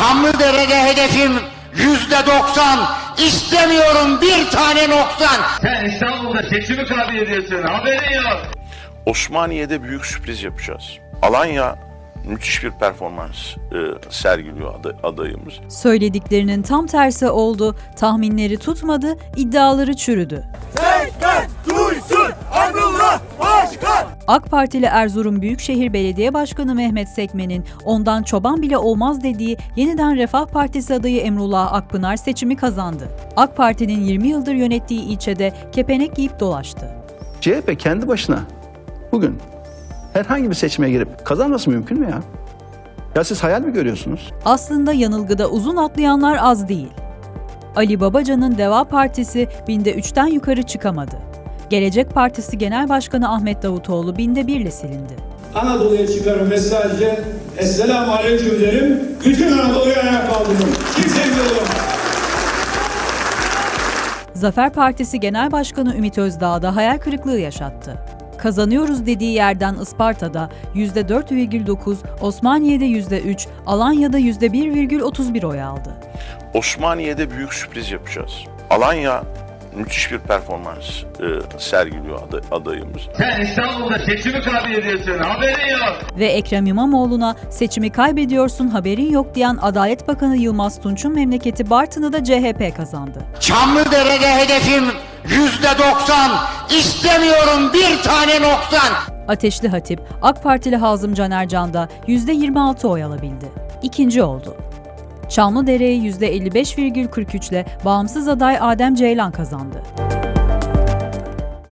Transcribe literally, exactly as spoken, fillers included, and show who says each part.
Speaker 1: Çamlıdere'de hedefim yüzde doksan. İstemiyorum bir tane noksan.
Speaker 2: Sen İstanbul'da seçimi kabul ediyorsun. Haberin yok.
Speaker 3: Osmaniye'de büyük sürpriz yapacağız. Alanya müthiş bir performans e, sergiliyor aday, adayımız.
Speaker 4: Söylediklerinin tam tersi oldu, tahminleri tutmadı, iddiaları çürüdü.
Speaker 5: Sekten duysun Emrullah Başkan!
Speaker 4: AK Partili Erzurum Büyükşehir Belediye Başkanı Mehmet Sekmen'in ondan çoban bile olmaz dediği Yeniden Refah Partisi adayı Emrullah Akpınar seçimi kazandı. AK Parti'nin yirmi yıldır yönettiği ilçede kepenek giyip dolaştı.
Speaker 6: C H P kendi başına bugün herhangi bir seçime girip kazanması mümkün mü ya? Ya siz hayal mi görüyorsunuz?
Speaker 4: Aslında yanılgıda uzun atlayanlar az değil. Ali Babacan'ın Deva Partisi binde üçten yukarı çıkamadı. Gelecek Partisi Genel Başkanı Ahmet Davutoğlu binde birle silindi.
Speaker 7: Anadolu'ya çıkarım ve sadece Esselamu Aleyküm derim. Bütün Anadolu'ya ayağa kaldırırım. Kimse engel olamaz.
Speaker 4: Zafer Partisi Genel Başkanı Ümit Özdağ da hayal kırıklığı yaşattı. Kazanıyoruz dediği yerden Isparta'da yüzde dört virgül dokuz, Osmaniye'de yüzde üç, Alanya'da yüzde bir virgül otuz bir oy aldı.
Speaker 3: Osmaniye'de büyük sürpriz yapacağız. Alanya müthiş bir performans e, sergiliyor aday, adayımız.
Speaker 2: Sen İstanbul'da seçimi kabul ediyorsun. Haberin yok.
Speaker 4: Ve Ekrem İmamoğlu'na seçimi kaybediyorsun haberin yok diyen Adalet Bakanı Yılmaz Tunç'un memleketi Bartın'ı da C H P kazandı.
Speaker 1: Çamlıdere'de hedefim yüzde doksan. İstemiyorum bir tane noksan.
Speaker 4: Ateşli Hatip, AK Partili Hazım Canercan da yüzde yirmi altı oy alabildi. İkinci oldu. Çamlıdere'yi yüzde elli beş virgül kırk üç ile bağımsız aday Adem Ceylan kazandı.